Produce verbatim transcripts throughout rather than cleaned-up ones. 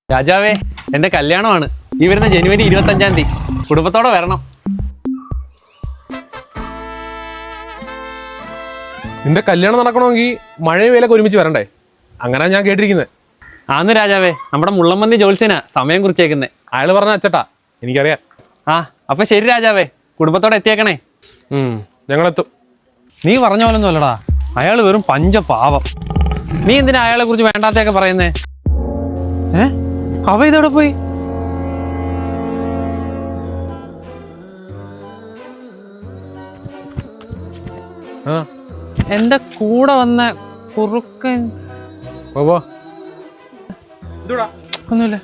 രാജാവേ, എന്റെ കല്യാണമാണ് ഈ വരുന്ന ജനുവരി ഇരുപത്തി അഞ്ചാം തീയതി. കുടുംബത്തോടെ വരണം. നിന്റെ കല്യാണം നടക്കണമെങ്കിൽ മഴയും വേലൊക്കെ ഒരുമിച്ച് വരണ്ടേ? അങ്ങനെ ഞാൻ കേട്ടിരിക്കുന്നത്. ആന്ന് രാജാവേ, നമ്മുടെ മുള്ളമ്പന്തി ജോത്സ്യനാ സമയം കുറിച്ചേക്കുന്നേ. അയാൾ പറഞ്ഞ അച്ചട്ടാ, എനിക്കറിയാം. ആ അപ്പൊ ശരി രാജാവേ, കുടുംബത്തോടെ എത്തിയേക്കണേ. ഞങ്ങളെത്തും. നീ പറഞ്ഞ പോലൊന്നും അല്ലടാ, അയാൾ വെറും പഞ്ചപാവം. നീ എന്തിനാ അയാളെ കുറിച്ച് വേണ്ടാത്തൊക്കെ പറയുന്നേ? ഏ അവ ഇതോടെ പോയി? എന്റെ കൂടെ വന്ന കുറുക്കൻ ഒന്നുമില്ല.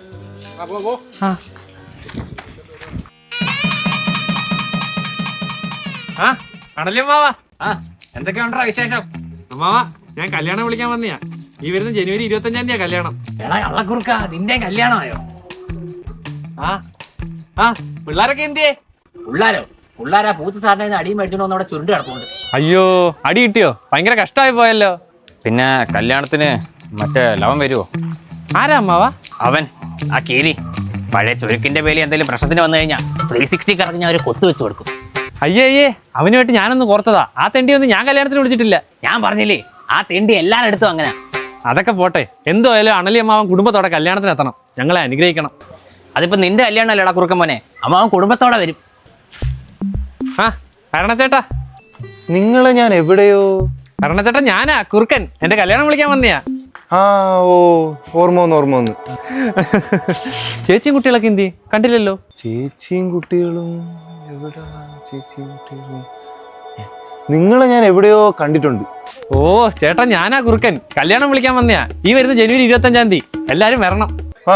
ആ കടലേ മാവാ, എന്തൊക്കെയുണ്ടോ വിശേഷം? മാവാ, ഞാൻ കല്യാണം വിളിക്കാൻ വന്നിയാ. ഈ വരുന്ന ജനുവരി ഇരുപത്തി അഞ്ചാം തീയതിയാ കല്യാണം. എടാ കള്ളക്കുറുക്ക, നിന്റെ കല്യാണമായോ? ആ ആ പിള്ളേരൊക്കെ എന്തിയേ? പിള്ളാരോ? പിള്ളാരാ പൂത്ത് സാറിന് അടിയും മേടിച്ചോണ്ട് വന്ന് അവിടെ ചുരുണ്ട് കിടപ്പുണ്ട്. അയ്യോ, അടി കിട്ടിയോ? ഭയങ്കര കഷ്ടമായി പോയല്ലോ. പിന്നെ കല്യാണത്തിന് മറ്റേ ലവൻ വരുവോ? ആരാ അമ്മാവാ? അവൻ ആ കീരി പഴയ ചുരുക്കിന്റെ പേരിൽ എന്തെങ്കിലും പ്രശ്നത്തിന് വന്നു കഴിഞ്ഞാൽ ത്രീ സിക്സ്റ്റി കറങ്ങി ഞാൻ ഒരു കൊത്തു വെച്ച് കൊടുക്കും. അയ്യേ അയ്യേ, അവനുമായിട്ട് ഞാനൊന്ന് പുറത്തതാ. ആ തെണ്ടി ഒന്നും ഞാൻ കല്യാണത്തിന് വിളിച്ചിട്ടില്ല. ഞാൻ പറഞ്ഞില്ലേ, ആ തെണ്ടി എല്ലാവരും എടുത്തും അങ്ങനെ. അതൊക്കെ പോട്ടെ, എന്തോ ആയാലും അണലി അമ്മാവൻ കുടുംബത്തോടെ കല്യാണത്തിന് എത്തണം. ഞങ്ങളെ അനുഗ്രഹിക്കണം. അതിപ്പോ നിന്റെ കല്യാണം അല്ലേടാ കുറുക്കൻ മോനെ, അമ്മാവൻ കുടുംബത്തോടെ വരും. ആ അരണച്ചേട്ടാ, നിങ്ങളെ ഞാൻ എവിടെയോ. അരണച്ചേട്ടാ, ഞാനാ കുറുക്കൻ. എന്റെ കല്യാണം വിളിക്കാൻ വന്നിയാ. ആ ഓ ഓർമ്മ വന്ന് ഓർമ്മ വന്ന് ചേച്ചിയും കുട്ടികളൊക്കെ എന്തി കണ്ടില്ലല്ലോ? ചേച്ചിയും കുട്ടികളും എവിടാ? ചേച്ചിയും കുട്ടികളും നിങ്ങളെ ഞാൻ എവിടെയോ കണ്ടിട്ടുണ്ട്. ഓ ചേട്ടാ, ഞാനാ കുറുക്കൻ. കല്യാണം വിളിക്കാൻ വന്നിയാ. ഈ വരുന്ന ജനുവരി ഇരുപത്തി അഞ്ചാം തീയതി എല്ലാരും വരണം. ആ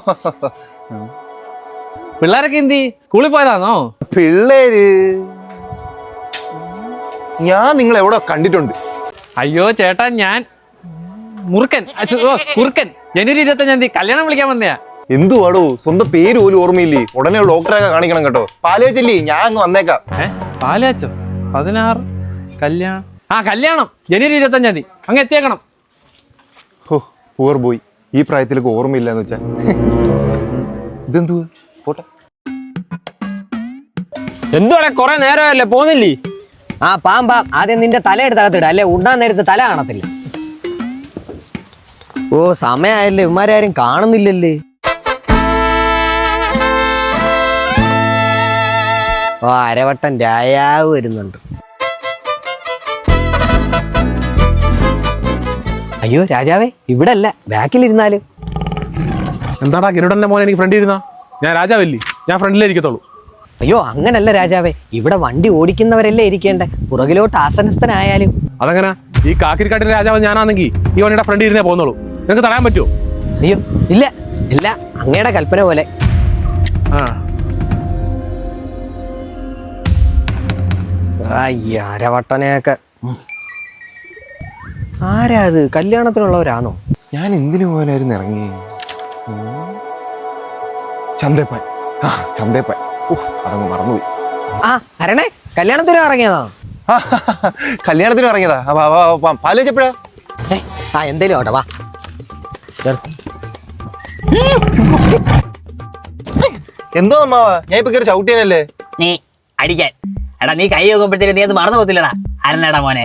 പിള്ളേരൊക്കെ എന്തി സ്കൂളിൽ പോയതാണോ? പിള്ളേര് ഞാൻ നിങ്ങളെ എവിടെ കണ്ടിട്ടുണ്ട്. അയ്യോ ചേട്ടാ, ഞാൻ മുറുക്കൻ ഓ കുറുക്കൻ. ജനുവരി ഇരുപത്തി അഞ്ചാം തീയതി കല്യാണം വിളിക്കാൻ വന്നയാ. എന്തുവാടോ, സ്വന്തം പേര് പോലും ഓർമ്മയില്ലേ? ഉടനെ ഡോക്ടറൊക്കെ കാണിക്കണം കേട്ടോ. പാലേച്ചല്ലേ, ഞാൻ അങ്ങ് വന്നേക്കാം. ഏ പാലാച്ചോ? പതിനാറ് കല്യാണം. ആ കല്യാണം ജനുവരി ഇരുപത്തി അഞ്ചാം തീയതി അങ്ങ് എത്തിയേക്കണം. ഓ പൂർ ബോയ്, ഈ പ്രായത്തിലൊക്കെ ഓർമ്മയില്ല എന്ന് വെച്ചാ ഇതെന്തു പോട്ടെ. എന്തുവാടെ കുറെ നേരമല്ലേ പോന്നില്ലേ? ആ പാം പാം, ആദ്യം നിന്റെ തല എടുത്തകത്തിട, അല്ലെ ഉണ്ണാൻ നേരത്ത് തല കാണത്തില്ല. ഓ സമയായല്ലേ, ഇവന്മാരും കാണുന്നില്ലല്ലേ? ഓ അരവട്ടം രായാവ് വരുന്നുണ്ട്. അയ്യോ രാജാവേ, ഇവിടെ അല്ല, ബാക്കിലിരുന്നാലും. എന്താടാ ഗരുഡന്റെ മോനെ, എനിക്ക് ഫ്രണ്ട് ഇരുന്നാ? ഞാൻ രാജാവല്ലേ, ഞാൻ ഫ്രണ്ടിലേ ഇരിക്കത്തുള്ളൂ. അയ്യോ അങ്ങനല്ല രാജാവേ, ഇവിടെ വണ്ടി ഓടിക്കുന്നവരല്ലേ ഇരിക്കേണ്ടേ, പുറകിലോട്ട് ആസനസ്ഥനായാലും. അതെങ്ങനെ? ഈ കാക്കിരിക്കാട്ടിന്റെ രാജാവ് ഞാനാണെങ്കിൽ ഈ വണ്ടിയുടെ ഫ്രണ്ട് ഇരുന്നേ പോകുന്നുള്ളൂ. നിങ്ങൾക്ക് തടയാൻ പറ്റുമോ? അയ്യോ ഇല്ല ഇല്ല, അങ്ങയുടെ കൽപ്പന പോലെ. ആ അയ്യ അരവട്ടനെയൊക്കെ. ആരാ അത്? കല്യാണത്തിനുള്ളവരാണോ? ഞാൻ എന്തിനു പോലായിരുന്നു ഇറങ്ങി? ചന്തേപ്പാൻ. ആ ചന്തേപ്പാൻ. ഓ അതങ്ങ് മറന്നുപോയി. ആ അരണേ, കല്യാണത്തിനും ഇറങ്ങിയതാ? കല്യാണത്തിന് ഇറങ്ങിയതാ. പാലേച്ചപ്പോഴാ? ആ എന്തേലും ആവട്ടെ, വാ. എന്തോ അമ്മാവാ, ഞാൻ ഇപ്പൊ കയറി ചവിട്ടിയാനല്ലേ? നീ അടിക്കാൻ. എടാ നീ കൈ നോക്കുമ്പോഴത്തേക്ക് നീ അത് മറന്നു പോകത്തില്ലടാ അരണേടാ മോനെ.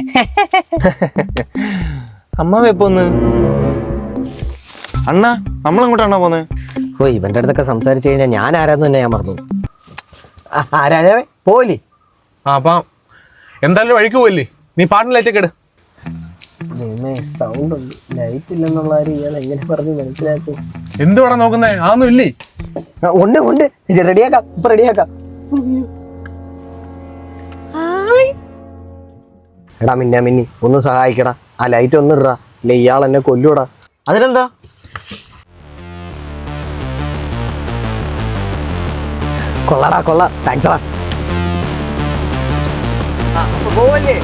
അമ്മാവ എപ്പോ ഒന്ന്? അണ്ണാ നമ്മളെങ്ങോട്ടാണോ പോന്നെ? ഓ ഇവന്റെ അടുത്തൊക്കെ സംസാരിച്ചു കഴിഞ്ഞാൽ ഞാൻ ആരാന്ന് തന്നെ ഞാൻ മറന്നു. ആ രാജാവേ പോലി. ആ അപ്പം എന്തായാലും വഴിക്ക് പോയില്ലേ, നീ പാട്ടിന് ലൈറ്റൊക്കെ ഇട്. സൗണ്ട് ഉണ്ട്, ലൈറ്റ് ഇല്ലെന്നുള്ള കാര്യം ഞാൻ എങ്ങനെ പറഞ്ഞ് മനസ്സിലാക്കും? എന്തുവാടാ നോക്കുന്നേ? അതൊന്നും ഇല്ലേ? ഉണ്ട് ഉണ്ട്, റെഡിയാക്കാം, ഇപ്പൊ റെഡിയാക്കാം. എടാ മിന്നാ മിന്നി ഒന്ന് സഹായിക്കടാ, ആ ലൈറ്റ് ഒന്ന് ഇടാ, ഇല്ല ഇയാൾ എന്നെ കൊല്ലൂടാ. അതിനെന്താ? കൊള്ളടാ കൊള്ള, താങ്ക്സ്ടാ. പോവല്ലേ?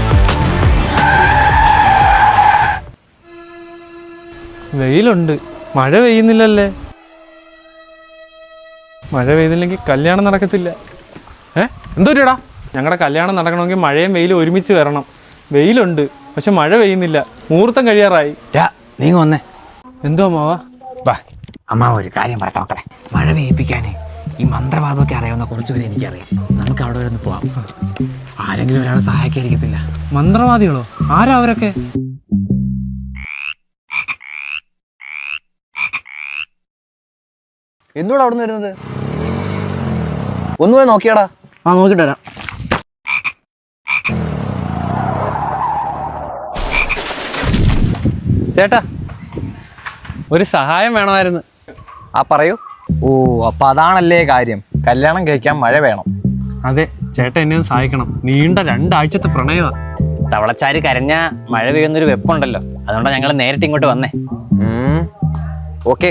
വെയിലുണ്ട്. മഴ പെയ്യുന്നില്ലല്ലേ? മഴ പെയ്തില്ലെങ്കിൽ കല്യാണം നടക്കത്തില്ല. ഏ എന്തോടാ? ഞങ്ങളുടെ കല്യാണം നടക്കണമെങ്കിൽ മഴയും വെയിലും ഒരുമിച്ച് വരണം. വെയിലുണ്ട്, പക്ഷെ മഴ പെയ്യുന്നില്ല. മുഹൂർത്തം കഴിയാറായി. നീ വന്നേ. എന്തോ അമ്മാവാ? വാ അമ്മ, ഒരു കാര്യം പറയട്ടെ മക്കളെ. മഴ പെയ്യിപ്പിക്കാനേ ഈ മന്ത്രവാദമൊക്കെ അറിയാവുന്ന കുറച്ചുപേരെ എനിക്കറിയാം. നമുക്ക് അവിടെ വരെ ഒന്ന് പോവാം. ആരെങ്കിലും ഒരാൾ സഹായിക്കാതിരിക്കത്തില്ല. മന്ത്രവാദികളോ? ആരാ അവരൊക്കെ? എന്തുകൂടെ അവിടെ നിന്ന് വരുന്നത്? ഒന്ന് പോയി നോക്കിയാടാ. ആ നോക്കിട്ട് വരാം. ചേട്ടാ, ഒരു സഹായം വേണമായിരുന്നു. ആ പറയൂ. ഓ അപ്പൊ അതാണല്ലേ കാര്യം, കല്യാണം കഴിക്കാൻ മഴ വേണം. അതെ, ചേട്ടൻ എന്നെ ഒന്ന് സഹായിക്കണം. നീണ്ട രണ്ടാഴ്ചത്തെ പ്രണയമാ. തവളച്ചാരി കരഞ്ഞ മഴ പെയ്യുന്നൊരു വെപ്പുണ്ടല്ലോ, അതുകൊണ്ടാണ് ഞങ്ങൾ നേരിട്ട് ഇങ്ങോട്ട് വന്നേ. ഓക്കെ.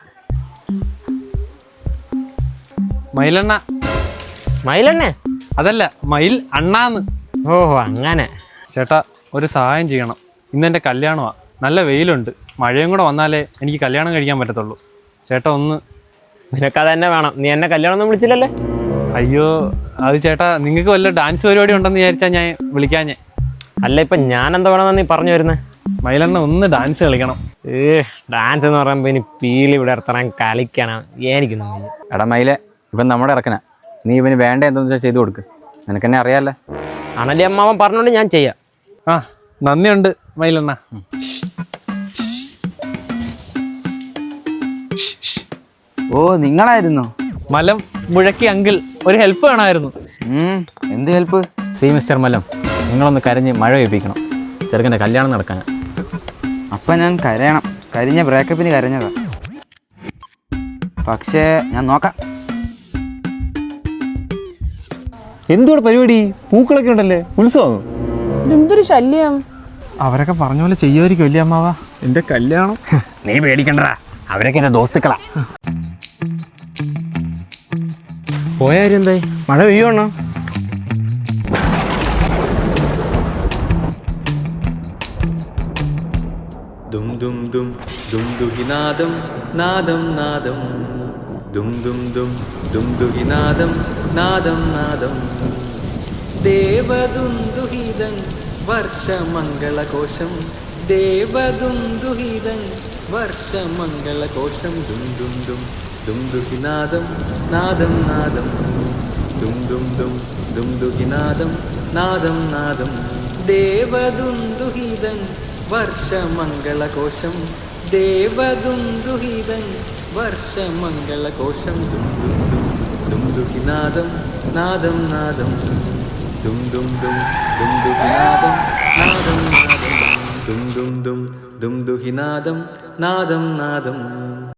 മയിലെണ്ണ. മയിലെണ്ണ? അതല്ല, മയിൽ അണ്ണാന്ന്. ഓഹോ അങ്ങനെ. ചേട്ടാ, ഒരു സഹായം ചെയ്യണം. ഇന്ന് എൻ്റെ കല്യാണമാണ്. നല്ല വെയിലുണ്ട്. മഴയും കൂടെ വന്നാലേ എനിക്ക് കല്യാണം കഴിക്കാൻ പറ്റത്തുള്ളൂ. ചേട്ടാ ഒന്ന്. നിനക്കത് തന്നെ വേണം. നീ എന്നെ കല്യാണം ഒന്നും വിളിച്ചില്ലല്ലേ? അയ്യോ, അത് ചേട്ടാ, നിങ്ങൾക്ക് വല്ല ഡാൻസ് പരിപാടി ഉണ്ടെന്ന് വിചാരിച്ചാൽ ഞാൻ വിളിക്കാൻ. ഞാൻ അല്ല, ഇപ്പം ഞാൻ എന്താ വേണമെന്ന് നീ പറഞ്ഞു വരുന്നത്? മയിലെണ്ണ ഒന്ന് ഡാൻസ് കളിക്കണം. ഏ ഡാൻസ് എന്ന് പറയുമ്പോൾ ഇനി പീലി ഇവിടെ ഇറത്തണം കളിക്കണം. എനിക്കൊന്നും വയ്യ. എടാ മയിലെ, ഇവൻ നമ്മുടെ ഇറക്കനാ. നീ ഇവന് വേണ്ട എന്തെന്ന് വെച്ചാൽ ചെയ്തു കൊടുക്ക്. നിനക്കെന്നെ അറിയാമല്ലേ. അണലി അമ്മാവൻ പറഞ്ഞോണ്ട് ഞാൻ ചെയ്യാം. ആ, നന്ദിയുണ്ട് മയിലെണ്ണ. ഓ നിങ്ങളായിരുന്നോ? മലം മുഴക്കി അങ്കിൾ, ഒരു ഹെൽപ്പ് വേണമായിരുന്നു. എന്ത് ഹെൽപ്പ്? സി മിസ്റ്റർ മല്ലം, നിങ്ങളൊന്ന് കരഞ്ഞ് മഴ പെയ്യിപ്പിക്കണം. ചെറുക്കൻ്റെ കല്യാണം നടക്കാനാ. അപ്പം ഞാൻ കരയണം. കരിഞ്ഞ ബ്രേക്കപ്പിന് കരഞ്ഞതാ. പക്ഷേ ഞാൻ നോക്കാം. എന്തുകൂടെ പരിപാടി? പൂക്കളൊക്കെ ഉണ്ടല്ലേ, ഉത്സവം. ഇതെന്തൊരു ശല്യം. അവരൊക്കെ പറഞ്ഞ പോലെ ചെയ്യുമായിരിക്കും അല്ലേ അമ്മാവാ? എൻ്റെ കല്യാണം. നീ പേടിക്കണ്ടടാ, അവരൊക്കെ എൻ്റെ ദോസ്തുക്കളാ. പോയ കാര്യം എന്തായി? മഴ പെയ്യുവാണോ? ദും ദും ദും ദും ദുഹിനാദം നാദം നാദം ദും ദും ദും ദും ദുഹിനാദം നാദം നാദം ദേവദുന്ദുഹിതം വർഷമംഗളകോശം ദേവദുന്ദുഹിതം വർഷമംഗളകോശം ദും ദും ദും ദും ദുഹിനാദം നാദം നാദം ദും ദും ദും ദും ദുഹിനാദം നാദം നാദം ദേവദുന്ദുഹിതം വർഷമംഗളകോശം ദേവദുന്ദുഹിതം വർഷമംഗളകോശം ദും ദും ദും ദും ദുഹിനാദം നാദം നാദം ദും ദും ദും ദും ദുഹിനാദം നാദം നാദം ദും ദും ദും ദും ദുഹിനാദം നാദം നാദം